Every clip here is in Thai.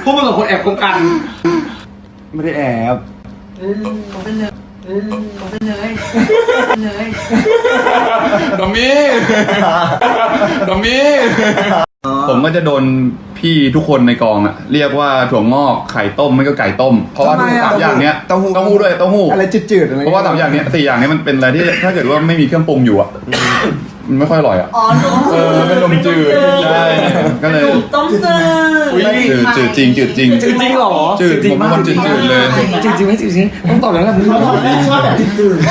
พวกมึงกับคนแอบคบกันไม่ได้แอบผมเป็นเลยผมเป็นเลยดอมมี่ดอมมี่ผมก็จะโดนพี่ทุกคนในกองอะเรียกว่าถั่วงอกไข่ต้มไม่ก็ไก่ต้มเพราะว่าทุกสามอย่างเนี้ยเต้าหู้ด้วยเต้าหู้อะไรจืดๆอะไรเพราะว่าสามอย่างเนี้ย4อย่างนี้มันเป็นอะไรที่ถ้าเกิดว่าไม่มีเครื่องปรุงอยู่อะมันไม่ค่อยอร่อยอะเป็นนมจืดใช่ก็เลยต้มจืดจืดจริงจืดจริงจริงเหรอจืดผมเป็นคนจืดเลยจริงไม่จริงต้องตอบแล้วแหละมึงชอบแบบจืด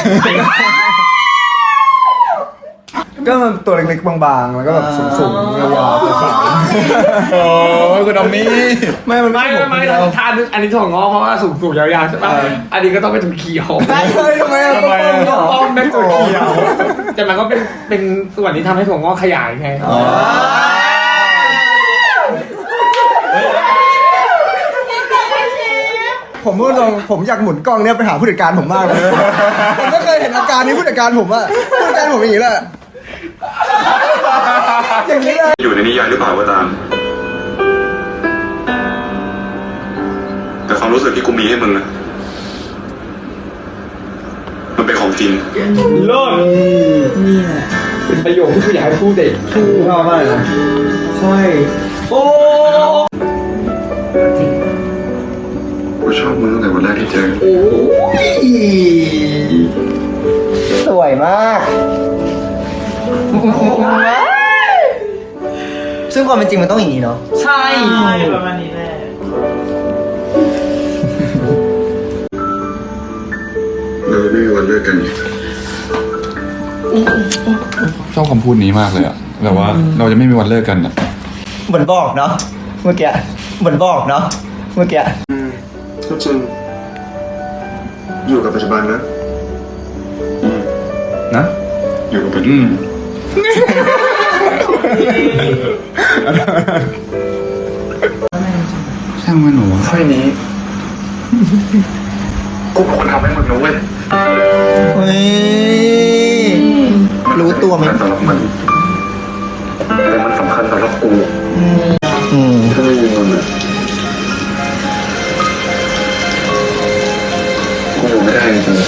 ก็มันตัวเล็กๆบางๆแล้วก็แบบสูงๆยาวๆขาวโอ้คุณดอมมี่ๆไม่มันไม่ทานอันนี้ถั่วงอกเพราะว่าสูงยาวๆใช่ป่ะอันนี้ก็ต้องเป็นถั่วเขียวไม่เลยทำไมอ่ะต้องเป็นถั่วเขียวแต่มันก็เป็นส่วนที่ทำให้ถั่วงอกขยายไงผมพูดตรงผมอยากหมุนกล้องเนี้ยไปหาผู้จัดการผมมากเลยผมไม่เคยเห็นอาการนี้ผู้จัดการผมอะผู้จัดการผมอย่างนี้แหละอย่างนี้เลยอยู่ในนิยายหรือเปล่าก็ตาม แต่ความรู้สึกที่กูมีให้มึงนะมันเป็นของจริงเลิศนี่แหละเป็นประโยคที่กูอยากให้พูดเด็กชอบมากนะใช่โอ้กูชอบมึงตั้งแต่วันแรกที่เจอสวยมากซึ่งความเป็นจริงมันต้องอย่างนี้เนาะใช่ประมาณนี้แหละเราไม่มีวันเลิกกันอีกชอบคำพูดนี้มากเลยอะแบบว่าเราจะไม่มีวันเลิกกันอะเหมือนบอกเนาะเมื่อกี้เหมือนบอกเนาะเมื่อกี้ก็จริงอยู่กับปัจจุบันนะนะอยู่กับปัจจุบันช่างมันหนูค่อยนี้กูเป็นคนทำให้มึงนะเว้ยเฮ้ยรู้ตัวไหมสำหรับมันแต่มันสำคัญสำหรับกูอืมถ้าไม่มีมึงอะกูอยู่ไม่ได้จริง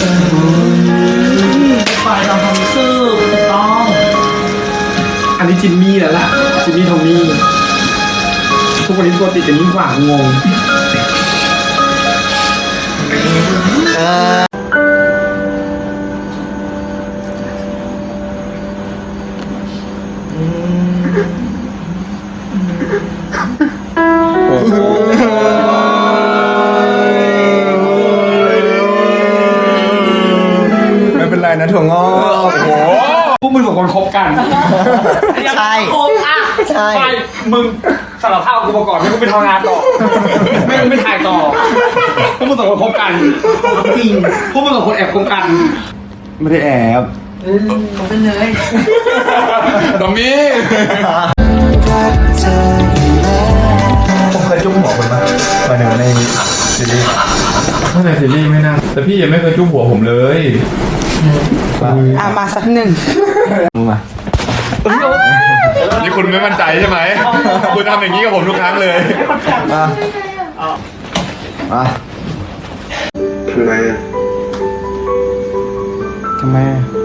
ฝ่ายตามความรู้สึกถูกต้องอันนี้จิมมี่แล้วล่ะจิมมี่ทอมมี่ทุกวันนี้ตัวติดกันยิ่งกว่างงไม่เป็นไรนะถั่วงอกพวกมึงสองคนคบกันใช่คบอ่ะใช่ไปมึงสารภาพกูมาก่อนไม่กูไปทำงานต่อไม่กูไปถ่ายต่อพวกมึงสองคนคบกันจริงพวกมึงสองคนแอบคบกันไม่ได้แอบผมเป็นเลยดอมมี่ผมเคยจุ๊บหัวคุณป่ะมาหนึ่งในซีรีส์ถ้าในซีรีส์ไม่น่าแต่พี่ยังไม่เคยจุ๊บหัวผมเลยมาสักหนึ่งมึงมานี่คุณไม่มั่นใจใช่ไหมคุณทำอย่างนี้กับผมทุกครั้งเลยมามาทำไมอะทำไม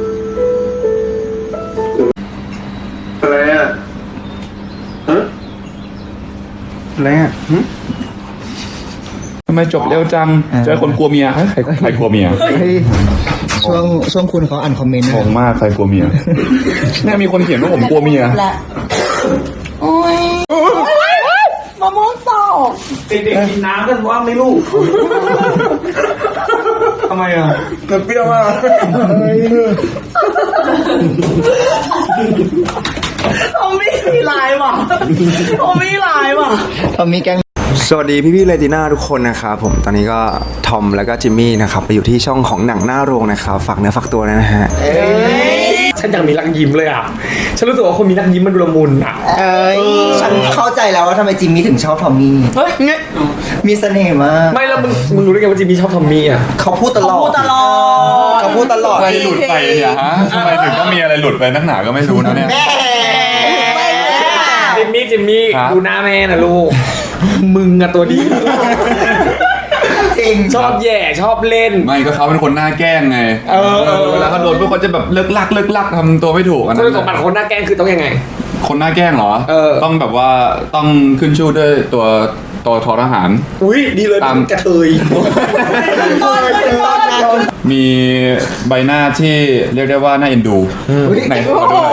อะไรอะฮะอะไรอ่ะทำไมจบเร็วจัง เจอคนกลัวเมียใครกลัวเมียเฮ้ยช่วงคุณเขาอ่านคอมเมนต์งงมากใครกลัวเมียเนี่ยมีคนเขียนว่าผมกลัวเมียและโอ้ยมะม่วงตกเด็กๆกินน้ำกันว่าไม่รู้ทำไมอ่ะเปรี้ยวมากผมไม่มีลายว่ะผมไม่ลายว่ะทอมมี่แกงสวัสดีพี่ๆเลติน่าทุกคนนะครับผมตอนนี้ก็ทอมแล้วก็จิมมี่นะครับไปอยู่ที่ช่องของหนังหน้าโรงนะครับฝากเนื้อฝากตัวนะฮะฉันอยากมีรักยิ้มเลยอ่ะฉันรู้สึกว่าคนมีรักยิ้มมันดูละมุนอ่ะฉันเข้าใจแล้วว่าทำไมจิมมี่ถึงชอบทอมมี่เฮ้ยไงมีเสน่ห์มากไม่แล้วมึงรู้ได้ไงว่าจิมมี่ชอบทอมมี่อ่ะเขาพูดตลอดพูดตลอดเขาพูดตลอดอะไรหลุดไปเนี่ยฮะทำไมถึงต้องมีอะไรหลุดไปนักหนาก็ไม่รู้นะเนี่ยจิมมี่ครับดูหน้าแม่นะลูกมึงอะตัวดีจริงชอบแย่ชอบเล่นไม่ก็เขาเป็นคนหน้าแกล้งไง เวลาเขาโดนพวกเขาจะแบบเลิกลักทำตัวไม่ถูกอันคุนั้ณสมบัตินคนหน้าแกล้งคือต้องยังไงคนหน้าแกล้งเหรอ ต้องแบบว่าต้องขึ้นชื่อด้วยตัวทอทหารอุ้ยดีเลยตามกระเทยมีใบหน้าที่เรียกได้ว่าน่าเอ็นดูไหนขอดูหน่อย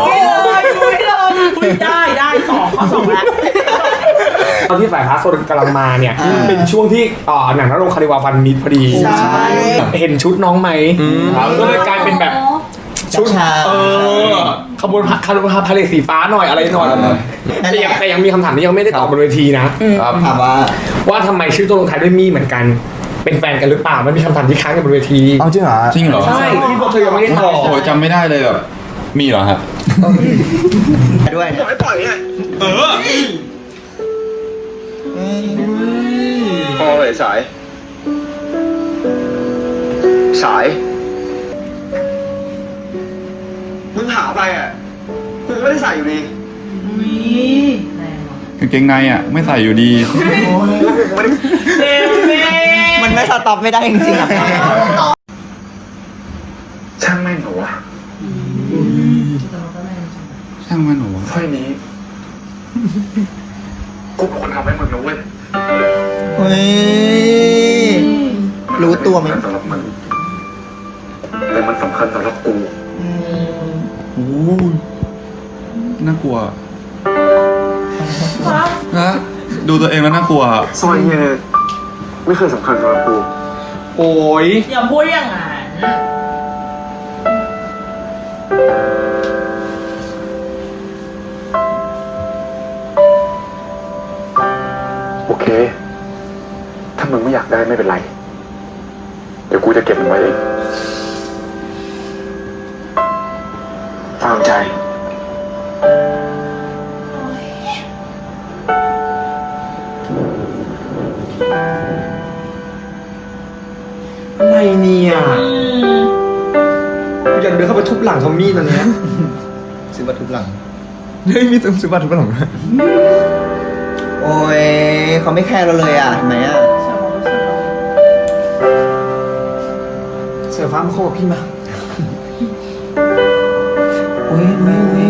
ได้2 ข้อ 2แล้วตอนที่ฝ่ายพาร์ทโซนกำลังมาเนี่ย เป็นช่วงที่หนังนรงคาริวาฟันมิดพอดีใช่เห็นชุดน้องไหมก็เลยกลายเป็นแบบชุดขบวนคาริวาพาเลทสีฟ้าหน่อยอะไรหน่อยแต่ยังมีคำถามที่ยังไม่ได้ตอบบนเวทีนะถามว่าทำไมชื่อตัวลงท้ายด้วยมี่เหมือนกัน เป็นแฟนกันหรือเปล่ามันมีคำถามที่ค้างกันบนเวทีเอาจริงเหรอจริงเหรอใช่ที่พวกเธอยังไม่ได้ตอบโอ้ยจำไม่ได้เลยแบบมีเหรอครับด้วยบอกให้ปล่อยไงพอเลยสาย มึงหาไปอ่ะกูไม่ได้ใส่อยู่ดีกางเกงในอ่ะไม่ใส่อยู่ดีมันไม่สต็อปไม่ได้จริงๆอ่ะช่างแม่งเหรอวะช่างมันหนูถ้อยนี้ กูเป็นคนทำให้มึงนะเว้ยเฮ้ย รู้ตัวไหมนสำหรับมึงแต่มันสำคัญสำหรับกูโอ้น่ากลัวนะดูตัวเองแล้วน่ากลัวซอยเนี่ยไม่เคยสำคัญสำหรับกูโอ้ยอย่าพูดอย่างนั้นโอเค ถ้ามึงไม่อยากได้ไม่เป็นไร เดี๋ยวกูจะเก็บมันไว้เองฟังใจอะไรเนี่ยกูอยากเดินเข้าไปทุบหลังทอมมี่ตอนเนี้ยซื้อบัตรทุบหลังเฮ้ยมีซื้อบัตรทุกคนหรอโอ้ยเขาไม่แคร์เราเลยอ่ะเห็นไหมอ่ะเสือฟ้ามาเข้ากับพี่มาโอ้ยโอ้ยโอ้ย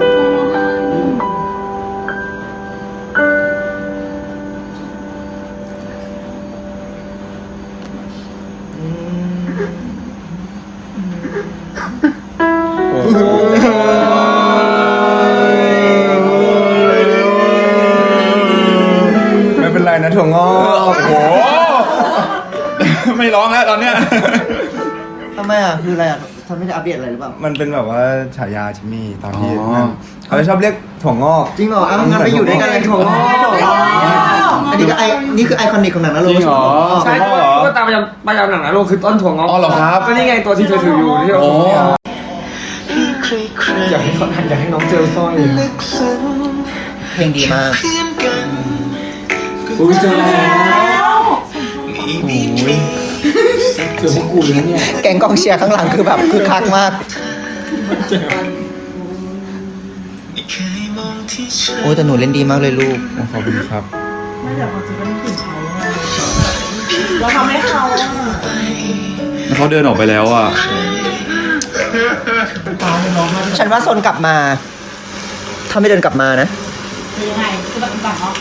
ไม่เป็นไรนะถั่วงอกโอ้โห ไม่ร้องแล้วตอนเนี้ยทำไมอ่ะ คืออะไรอ่ะทำไม่ได้อัปเดตอะไรหรือเปล่ามันเป็นแบบว่าฉายาจิมมี่ตอนที่อ๋อนั่นเขาจะชอบเรียกถั่วงอกจริงเหรองั้นไปอยู่ด้วยกันเลยถั่วงอกอันนี้ก็นี่คือไอคอนิกของหนังนะจริงเหรอใช่ก็ตามประจำหนังนะโลกคือต้นถั่วงอกอ๋อเหรอครับก็นี่ไงตัวที่เธอถืออยู่ที่เราโอ้อยากให้เขาอยากให้น้องเจอสร้อยเพลงดีมากอุ้ยเจอแล้วเจอพวกกูแล้วเนี่ยแกงกองเชียร์ข้างหลังคือแบบคือคักมาก โอ้ยแต่หนูเล่นดีมากเลยลูกขอบคุณครับไม่แต่เขาจะเป็นกลิ่นเขาไงเราทำให้เขาอะแล้วเขาเดินออกไปแล้วอ่ะฉันว่าโซนกลับมา ถ้าไม่เดินกลับมานะหรือยังไงคือแบบแบบเนาะ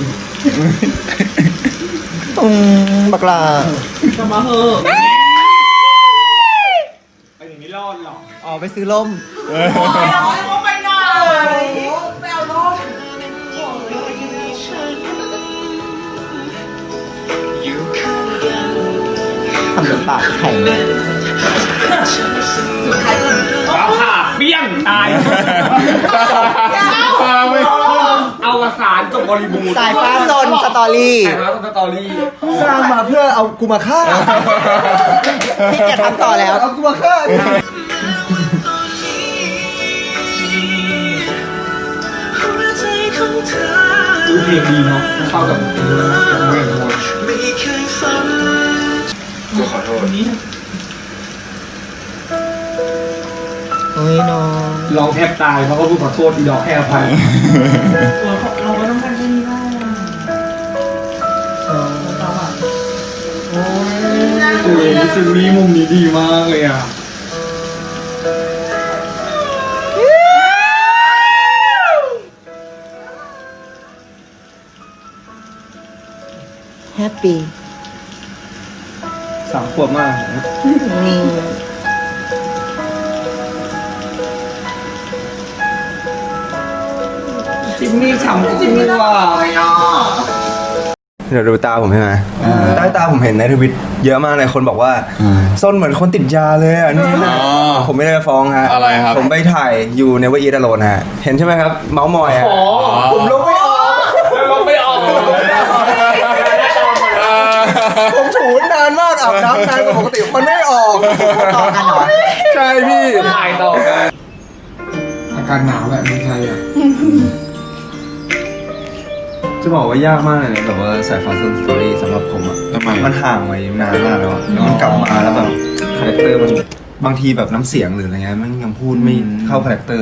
บักลาจะมาเหอะไปอย่างนี้รอดหรออ๋อไปซื้อล่มไปเอาล่มไปหน่อยไปเอาล่มทำเป็นปากแข็งฟ้าผ่าเปี้ยงตายเอาวสารจบบริบูรณ์สายฟ้าโซนสตอรี่สายฟ้าสตอรี่สร้างมาเพื่อเอากูมาฆ่าพี่จะทำต่อแล้วเอากูมาฆ่าดูเพลงดีเนาะเข้ากับเมืองมวยกูขอโทษโอ้ยน้องร้องแทบตายเพราะเขาพูดขอโทษอีดอกแค่อภัยเราก็ต้องการแค่นี้ได้จิมมี่มุมนี้ดีมากเลยอ่ะแฮปปี้ 3 ขวบมากนี่จิมมี่ฉ่ำจิมมี่ว่ะเดี๋ยวดูตาผมใช่ไหมใต้ตาผมเห็นในทวิตเยอะมากเลยคนบอกว่าส้นเหมือนคนติดยาเลยอ่ะนี่นะผมไม่ได้ฟ้องฮะอะไรครับผมไปถ่ายอยู่ในว่าอีดาโลนฮะเห็นใช่ไหมครับเมาส์มอยอ่ะผมลงไม่ออกลงไม่ออกผมถูนานมากอาบน้ำนานกว่าปกติมันไม่ออกต่อกันเหรอใช่พี่ถ่ายต่อกันอากาศหนาวแหละเมืองไทยอ่ะจะบอกว่ายากมากเลยนะแบบว่าสายฟ้าซันสตอรี่สำหรับผมอ่ะทำไมมันห่างไว้นานมากแล้วอะแล้วมันกลับมาแล้วแบบคาแรคเตอร์มันบางทีแบบน้ำเสียงหรืออะไรเงี้ยมันยังพูดไม่เข้าคาแรคเตอร์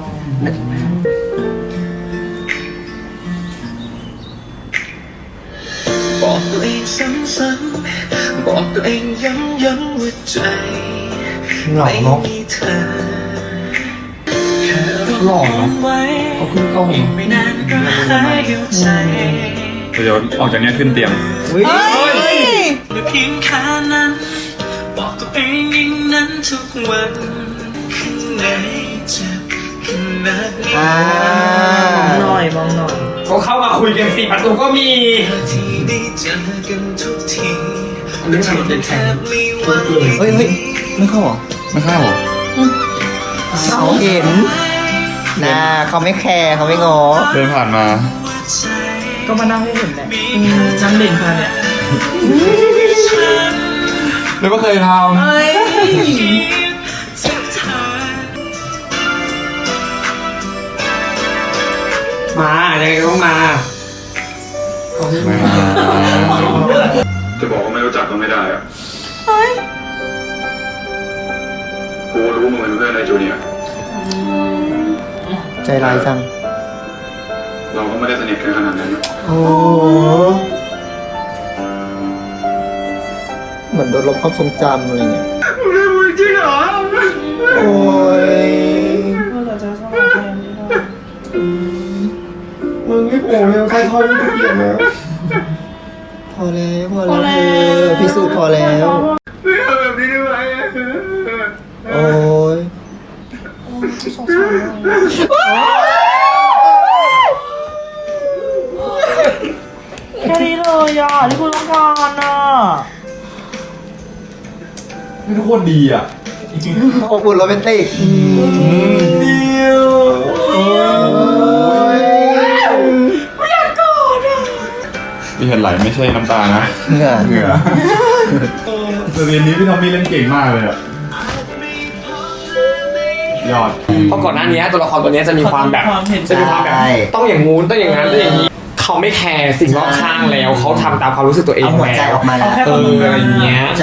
บอกตัวเองซ้ำๆบอกตัวเองย้ำว่าใจหล่อไม่เนาะมีเธอแค่หล่อเนาะไว้เขาขึ้นกล้องอีกไม่นานก็หายเข้าใจเดี๋ยวออกจากเนี้ยขึ้นเตียงและเพียงแค่นั้น บอกตัวเองอย่างนั้นทุกวันข้างในเจ็บขนาดนี้มองหน่อยมองหน่อยเขาเข้ามาคุยกัน4 ประตูก็มีที่ได้เจอกันทุกทีอันนี้มันเป็นแข่งไม่ไหวเฮ้ยไม่เข้าเหรอไม่เข้าเหรอเขาเห็นนะเขาไม่แคร์เขาไม่งอเดินผ่านมาก็มานั่งให้เห็นแหละนั่งเด่นค่ะเนี่ยเลยก็เคยทเฮ้ยมายังไงก็ต้องมาำไม่มาจะบอกว่าไม่รู้จักก็ไม่ได้อะกูรู้มึงเป็นเพื่อนในจูเนียร์ใจร้ายจังเราก็ไม่ได้สนิทกันขนาดนั้นโอ้เหมือนโดนลบความทรงจำอะไรเงี้ยจริงเหรอ โอ้ยเราจะชอบแทนไม่ได้มึงไม่โผล่เลยใครทอยไม่เกี่ยวแล้วพอแล้วพอแล้วพิสูจน์พอแล้ว โอ้ยสงสารแค่นี้เลยอ่ะที่คุณต้องการอ่ะไม่ทุกโคตรดีอ่ะอบอุ่นโรแมนติกที่เห็นไหลไม่ใช่น้ำตานะเหงื่อเหงื่อแต่เรียนนี้พี่ทอมมี่เล่นเก่งมากเลยอ่ะ ยอดเพราะก่อนหน้านี้ตัวละครตัวนี้จะมีความแบบ จะมีความแบบ ต้องอย่างงู้นต้องอย่างนั้นต้องอย่างนี้ เขาไม่แคร์สิ่งรอบข้างแล้ว เขาทำตามความรู้สึกตัวเองเอาหัวใจแล้วออกมาแล้วเอออะไรอย่างเงี้ยใช่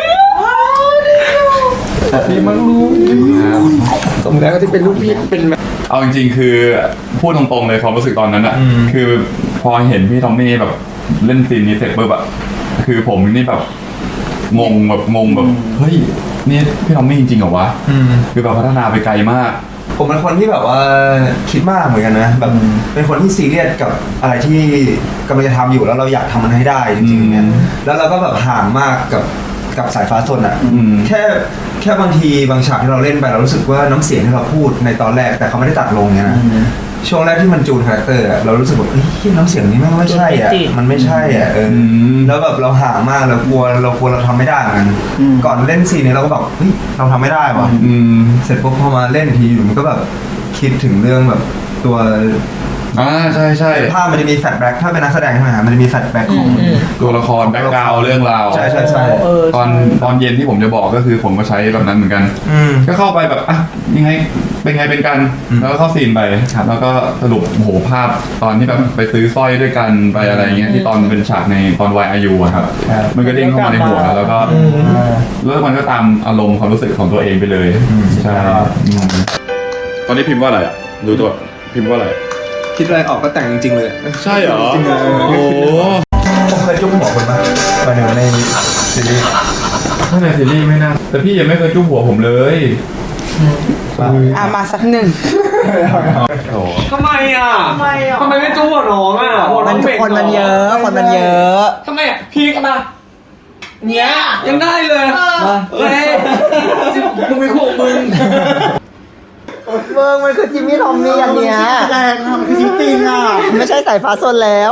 ดีมากลูกสมแล้วที่เป็นลูกพี่เป็นแบบเอาจริงๆคือพูดตรงๆเลยความรู้สึกตอนนั้นอ่ะ คือพอเห็นพี่ทอมมี่แบบเล่นซีนนี้เสร็จปุ๊บอะคือผมนี่แบบงงแบบเฮ้ยนี่พี่ทอมมี่จริงๆเหรอวะคือแบบพัฒนาไปไกลมากผมเป็นคนที่แบบว่าคิดมากเหมือนกันนะแบบเป็นคนที่ซีเรียสกับอะไรที่กำลังจะทำอยู่แล้วเราอยากทำมันให้ได้จริงๆเนี่ยแล้วเราก็แบบห่างมากกับสายฟ้าสนอ่ะอืมแค่บางทีบางฉากที่เราเล่นไปเรารู้สึกว่าน้ำเสียงที่เราพูดในตอนแรกแต่เขาไม่ได้ตัดลงเนี่ยนะช่วงแรกที่มันจูนคาแรคเตอร์อะเรารู้สึกแบบเฮ้ยน้ำเสียงนี้แม่งไม่ใช่อ่ะมันไม่ใช่อ่ะแล้วแบบเราห่างมากเรากลัวเราทำไม่ได้เหมือนกันก่อนเล่นซีนนี้เราก็แบบเฮ้ยเราทำไม่ได้ว่ะ เสร็จปุ๊บพอมาเล่นทีอยู่มันก็แบบคิดถึงเรื่องแบบตัวใช่ภาพมันจะมีแฟลชแบ็กถ้าเป็นนักแสดงใช่ไหมฮะมันจะมีแฟลชแบ็กของตัวละครแบ็คกราวด์เรื่องราวใช่ตอนเย็นที่ผมจะบอกก็คือผมก็ใช้แบบนั้นเหมือนกัน ก็เข้าไปแบบอ่ะยังไงเป็นกันแล้วก็เข้าซีนไปแล้วก็สรุปโอ้โหภาพตอนที่แบบไปซื้อสร้อยด้วยกันไปอะไรเงี้ยที่ตอนเป็นฉากในตอนวายอายุอะครับมันก็เด้งเข้ามาในหัวแล้วก็แล้วมันก็ตามอารมณ์ความรู้สึกของตัวเองไปเลยใช่ตอนนี้พิมพ์ว่าอะไรอ่ะดูตัวพิมพ์ว่าอะไรคิดอะไรออกก็แต่งจริงๆเลยใช่เหรอจริงเลยโอ้ผมเคยจุ๊บหัวคนมาในซีรีส์ถ้าในซีรีส์ไม่น่าแต่พี่ยังไม่เคยจุ๊บหัวผมเลยมาสักหนึ่งโอ้ทำไมอ่ะทำไมไม่จู้หัวน้องอ่ะหัวน้มัอน งเบ่งคนมันเยอะ คนมันเยอะทำไมอ่ะพีกมาเนี้ยยังได้เลยเฮ้ยมึงไม่คู่มึงเบิร์มันคือจิมมี่ทอมมี่อย่างเนี้ยแรงมันคือจริงอ่ะไม่ใช่สายฟ้าโซนแล้ว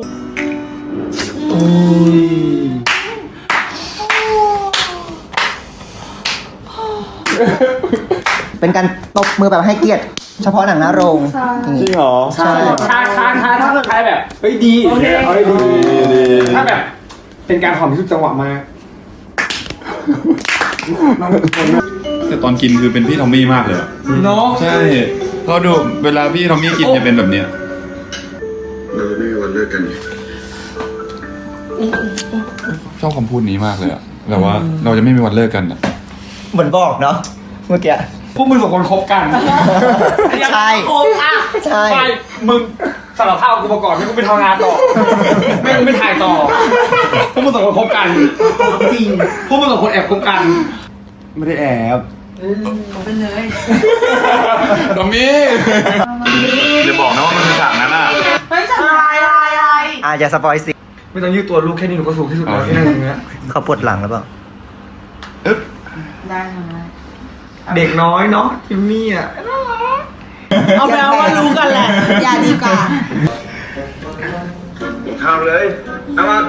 เป็นการตบมือแบบให้เกียรติเฉพาะหนังหน้าโรงจริงเหรอใช่ถ้าแบบเฮ้ยดีเอาให้ดีถ้าแบบเป็นการหอมที่สุดจังหวะมากแต่ตอนกินคือเป็นพี่ทอมมี่มากเลยอะเนาะใช่เพราะดูเวลาพี่ทอมมี่กินจะเป็นแบบเนี้ยเราไม่มีวันเลิกกันชอบคำพูดนี้มากเลยอะแบบว่าเราจะไม่มีวันเลิกกันอะเหมือนบอกเนาะเมื่อกี้พวกมึงสองคนคบกันใช่คบอ่ะใช่ไปมึงสารภาพกูมาก่อนไม่กูไปทำงานต่อไม่กูไปถ่ายต่อพวกมึงสองคนคบกันจริงพวกมึงสองคนแอบคบกันไม่ได้แอบทอมมี่อย่าบอกนะว่ามันคือฉากนั้นอะไม่ใช่อะไรอย่าสปอยสิไม่ต้องยืดตัวลูกแค่นี้หนูก็สูงที่สุดแล้วที่นั่งตรงเนี้ยเขาปวดหลังแล้วเปล่าอึ๊บได้ทำได้เด็กน้อยเนาะจิมมี่อ่ะเอาไปเอาว่ารู้กันแหละ อย่าดีกว่าข้าวเลยเอามา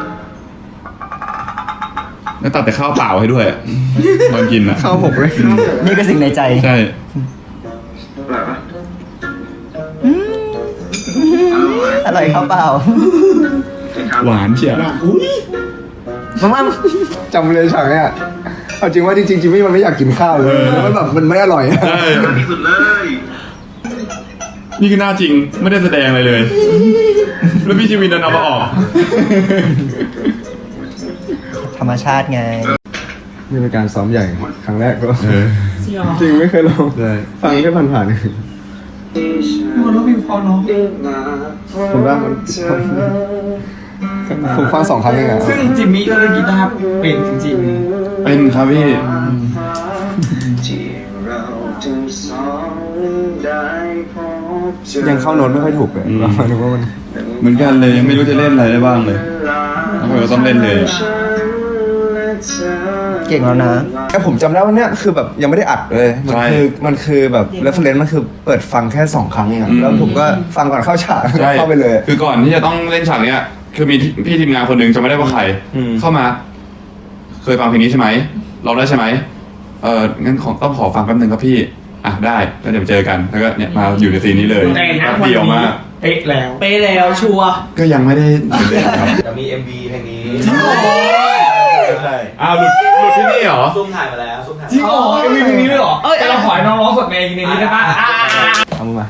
แล้วตัดแต่ข้าวเปล่าให้ด้วยอะตอนกินอะเข้าหกเลยนี่ก็สิ่งในใจใช่อะไรวะอร่อยข้าวเปล่าหวานเชียวมั่มจำเลยฉากเนี้ยเอาจริงว่าจริงๆจิมมี่มันไม่อยากกินข้าวเลยแล้วมันแบบมันไม่อร่อยใช่ที่สุดเลยนี่คือหน้าจริงไม่ได้แสดงอะไรเลย แล้วพี่ชีวินดันเอามาออกธรรมชาติไงนี่เป็นการซ้อมใหญ่ครั้งแรกก็จริงเหรอจริงไม่เคยลองฟังแค่ผ่านๆมันต้องมีพอเนาะผมว่ามันผมฟัง2 ครั้งเองอะซึ่งจิมมี่ก็เล่นกีตาร์เป็นจริงเป็นครับพี่ยังเข้าโน้ตไม่ค่อยถูกเลยหมายถึงว่ามันเหมือนกันเลยยังไม่รู้จะเล่นอะไรได้บ้างเลยแล้วก็ต้องเล่นเลยเก่งแล้วนะแต่ผมจำได้ว่าเนี่ยคือแบบยังไม่ได้อัดเลยมันคือแบบ reference มันคือเปิดฟังแค่2 ครั้งเองอะแล้วผมก็ฟังก่อนเข้าฉากใช่เข้าไปเลยคือก่อนที่จะต้องเล่นฉากเนี้ยคือมีพี่ทีมงานคนหนึ่งจะไม่ได้ว่าใคร เข้ามา เคยฟังเพลงนี้ใช่ไหมร้องได้ใช่ไหมงั้นต้องขอฟังแป๊บนึงครับพี่อ่ะได้แล้วเดี๋ยวเจอกันแล้วก็เนี่ยมาอยู่ในซีนนี้เลยๆแต่นะแป๊บวันเดียวนี้มากเป๊ะแล้วไปแล้วชัวร์ก็ยังไม่ได้เล่นครับจะมี MV เพลงนี้อ้าวหลุดที่นี่เหรอซุ่มถ่ายมาแล้วซุ่มถ่ายจริงเหรอมีเพลงนี้ด้วยเหรอแต่เราขอให้น้องร้องสดในนี้ได้ปะเอามือมา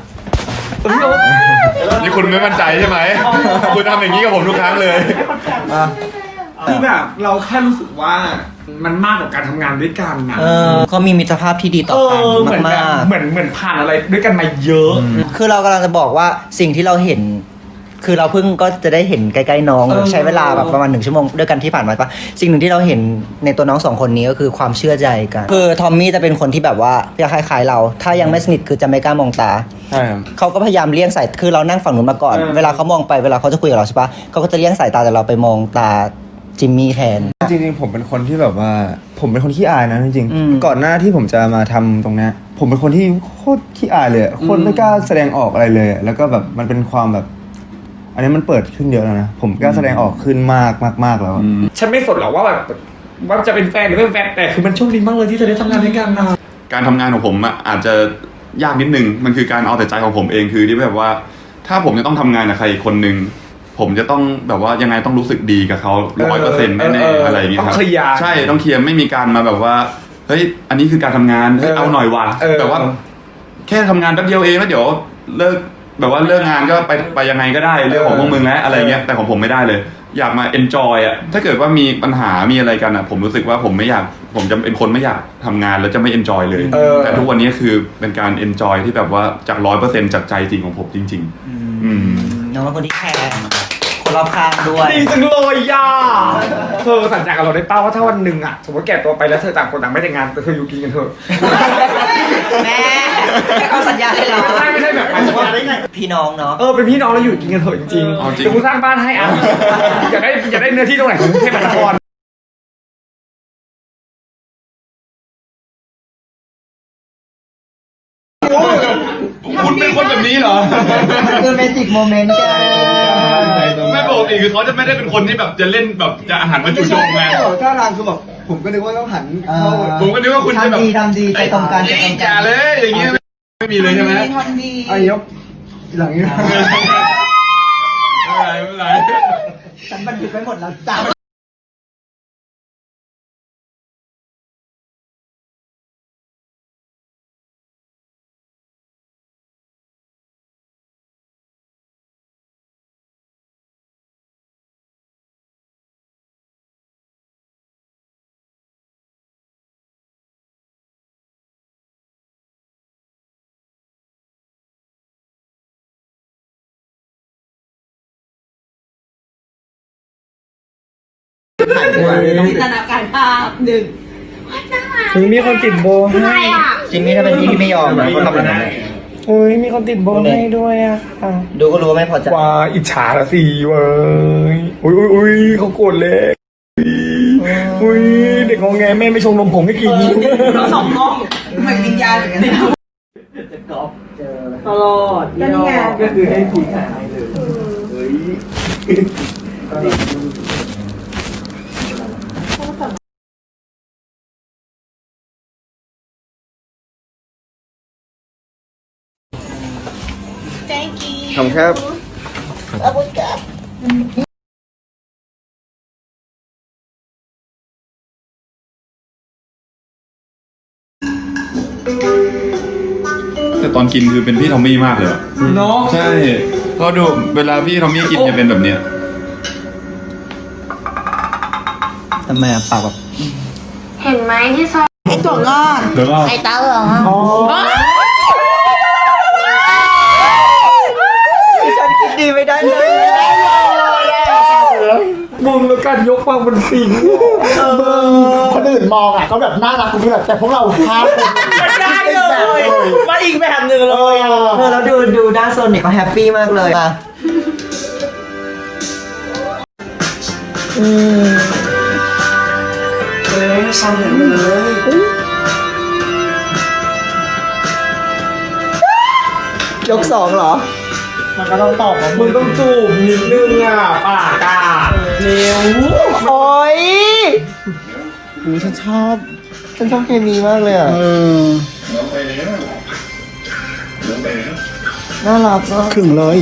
นี่คุณไม่มั่นใจใช่ไหมคุณทำอย่างนี้กับผมทุกครั้งเลยคือแบบเราแค่รู้สึกว่ามันมากกว่าการทำงานด้วยกันนะเขามีมิตรภาพที่ดีต่อกันเหมือนแบบมากเหมือนผ่านอะไรด้วยกันมาเยอะๆคือเรากำลังจะบอกว่าสิ่งที่เราเห็น คือเราเพิ่งก็จะได้เห็นใกล้ๆน้องใช้เวลาแบบประมาณ1 ชั่วโมงด้วยกันที่ผ่านมาปะสิ่งหนึ่งที่เราเห็นในตัวน้อง2 คนนี้ก็คือความเชื่อใจกันคือทอมมี่จะเป็นคนที่แบบว่าคล้ายๆเรา ถ้ายังไม่สนิทคือจะไม่กล้ามองตาใช่ครับเขาก็พยายามเลี่ยงสายคือเรานั่งฝั่งนู้นมาก่อน เวลาเขามองไปเวลาเขาจะคุยกับเราใช่ปะเขาก็จะเลี่ยงสายตาแต่เราไปมองตาจิมมี่แทนจริงๆผมเป็นคนที่แบบว่า ผมเป็นคนขี้อายนะจริงอืมๆก่อนหน้าที่ผมจะมาทำตรงเนี้ยผมเป็นคนที่โคตรขี้อายเลยอะโคตรไม่กล้าแสดงออกอะไรเลยอะแล้วก็แบบมันเป็นความแบบ อันนี้มันเปิดขึ้นเยอะแล้วนะผมกล้าแสดงออกขึ้นมากแล้วอะฉันไม่สนหรอกว่าแบบว่าจะเป็นแฟนหรือไม่เป็นแฟนแต่คือมันโชคดีมากเลยที่เธอได้ทำงานด้วยกันนะการทำงานของผมอะอาจจะยากนิดนึงมันคือการเอาแต่ใจของผมเองคือที่แบบว่า ถ้าผมจะต้องทำงานกับใครอีกคนนึงผมจะต้องแบบว่ายังไงต้องรู้สึกดีกับเขา100%แน่ๆอะไรอย่างเงี้ยครับต้องเคลียร์ใช่ต้องเคลียร์ไม่มีการมาแบบว่าเฮ้ยอันนี้คือการทำงานเฮ้ยเอาหน่อยว่ะแบบว่า แค่ทำงานแป๊บเดียวเองแล้วเดี๋ยวเลิกแบบว่าเลิกงานก็ไปยังไงก็ได้เรื่องของพวกมึงแล้วอะไรเงี้ยแต่ของผมไม่ได้เลย อยากมา enjoy อ่ะถ้าเกิดว่ามีปัญหามีอะไรกันอ่ะผมรู้สึกว่าผมจะเป็นคนไม่อยากทำงานแล้วจะไม่ enjoy เลยแต่ทุกวันนี้คือเป็นการ enjoy ที่แบบว่าจาก 100% จากใจจริงของผมจริง ๆน้องเป็นคนที่แคร์คนรอบข้างด้วยดีจังเลยย่าเธอสัญญากับเราได้เป้าว่าถ้าวันหนึ่งอะสมมติแก่ตัวไปแล้วเธอต่างคนต่างไม่แต่งงานแต่เธออยู่กินกันเถอะแม่เขาสัญญาให้เราไม่ใช่แบบหมายถึงว่าพี่น้องเนาะเป็นพี่น้องแล้วอยู่กินกันเถอะจริงๆเดี๋ยวกูสร้างบ้านให้อ่ะอยากได้เนื้อที่ตรงไหนของกรุงเทพมหานครคุณเป็นคนแบบนี้เหรอคือเมจิกโมเมนต์แกไม่ปกติคือเขาจะไม่ได้เป็นคนที่แบบจะเล่นแบบจะอาหารมาจู่โจมไงท่าทางคือแบบผมก็นึกว่าต้องหันเข้าผมก็นึกว่าคุณจะแบบทำดีใจตรงกันนี่อย่าเลยอย่างงี้ไม่มีเลยใช่ไหมทำดีไอ้ยกหลังนี้ไม่เป็นไรฉันบันทึกไว้หมดแล้วจ้าจินตนาการภาพหนึ่งมีคนติดโบให้จริงนี่ถ้าเป็นพี่ไม่ยอมนะเขาทำแบบนั้นมีคนติดโบให้ด้วยอะค่ะดูก็รู้ว่าไม่พอใจว้าอิจฉาละสิเว้ยอุ้ยเขาโกรธเลยอุ้ยเด็กงอแงแม่ไม่ชงนมผงให้กินเราสองกล้องเหมือนวิญญาณเหมือนกันตลอดก็นี่ไงก็คือให้ผีหายเลยทำครับแต่ตอนกินคือเป็นพี่ทอมมี่มากเลยอะเนาะใช่ก็ดูเวลาพี่ทอมมี่กินจะเป็นแบบเนี้ยทำไมอ่ะปากแบบเห็นไหมที่ซอยไอตัวงอนเดี๋ยวก็ไอเต้าเหรอฉันคิดดีไม่ได้เลยมึงแล้วการยกความบนสิ่งคนอื่นมองอ่ะก็แบบน่ารักกูแบบแต่พวกเราพลาดไม่ได้เลยมาอีกแบบหนึ่งเลยอ่ะแล้วดูด้านโซนเนี่ยเขาแฮปปี้มากเลยอ่ะยกสองเหรอมันก็ต้องตอบว่ามึงต้องจูบนิดนึงอ่ะปากอ่ะเร็วโอ้ยฉันชอบเคมีมากเลยอ่ะน่ารักมากครึ่งเลย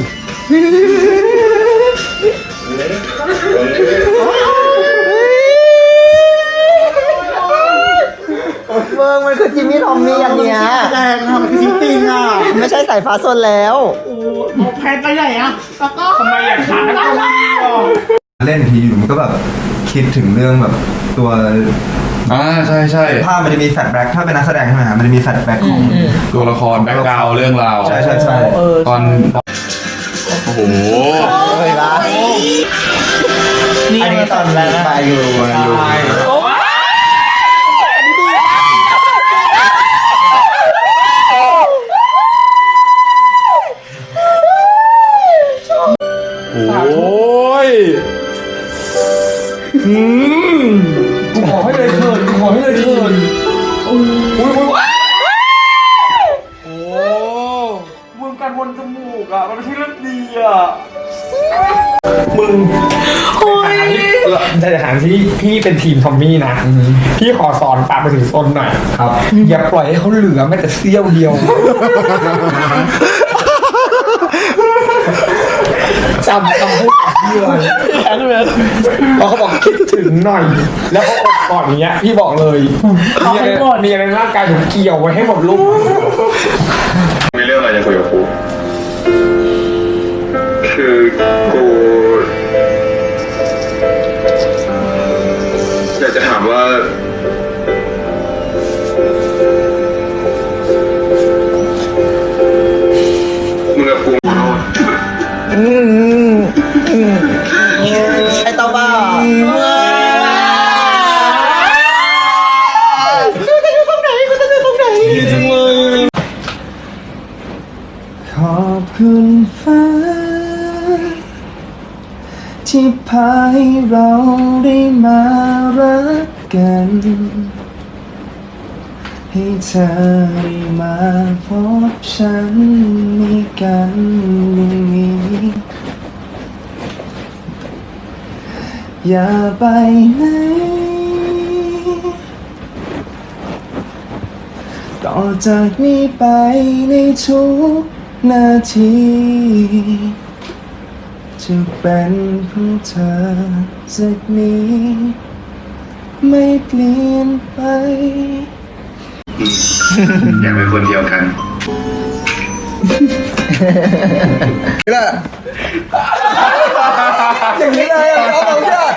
เมืองมันคือจิมมี่ทอมมี่อันเนี้ยแรงทำจริงๆอ่ะไม่ใช่สายฟ้าโซนแล้วแพนไปใหญ่อะแล้วก็ทำไมอยากขาดก็ไม่หรอกเล่นทีอยู่มันก็แบบคิดถึงเรื่องแบบตัวใช่ใช่ภาพมันจะมีแฟลชแบ็กถ้าเป็นนักแสดงใช่ไหมฮะมันจะมีแฟลชแบ็กของตัวละครแบ็คกราวด์เรื่องราวใช่ตอนโอ้โหเฮ้ยละอันนี้ตอนแรกมาอยู่โอ้ยกูขอให้เลยเถิดกูขอให้เลยเถิดอุ้ยโอ้มึงการวนจมูกอ่ะมันไม่ใช่เรื่องดีอ่ะมึงในฐานะที่พี่เป็นทีมทอมมี่นะพี่ขอสอนปากไปถึงต้นหน่อยครับอย่าปล่อยให้เขาเหลือแม้แต่เสี้ยวเดียวจำคำพูดพี่เลยพอเขาบอกคิดถึงหน่อย แล้วเขาอกก่อนอย่างเงี้ยพี่บอกเลยมีอะไรในร่างกายผมเกี่ยวไว้ให้หมดลูกมีเรื่องอะไรจะคุยกับกูคือกูอยากจะถามว่ามึงกับกูไอ้เต้าบ้าพาให้เราได้มารักกัน ให้เธอได้มาพบฉันมีกันอย่างนี้อย่าไปไหนต่อจากนี้ไปในทุกนาทีจะเป็นของเธอจากนี้ไม่เปลี่ยนไปอยากเป็นคนเดียวกันอย่างนี้เลยเขาบอก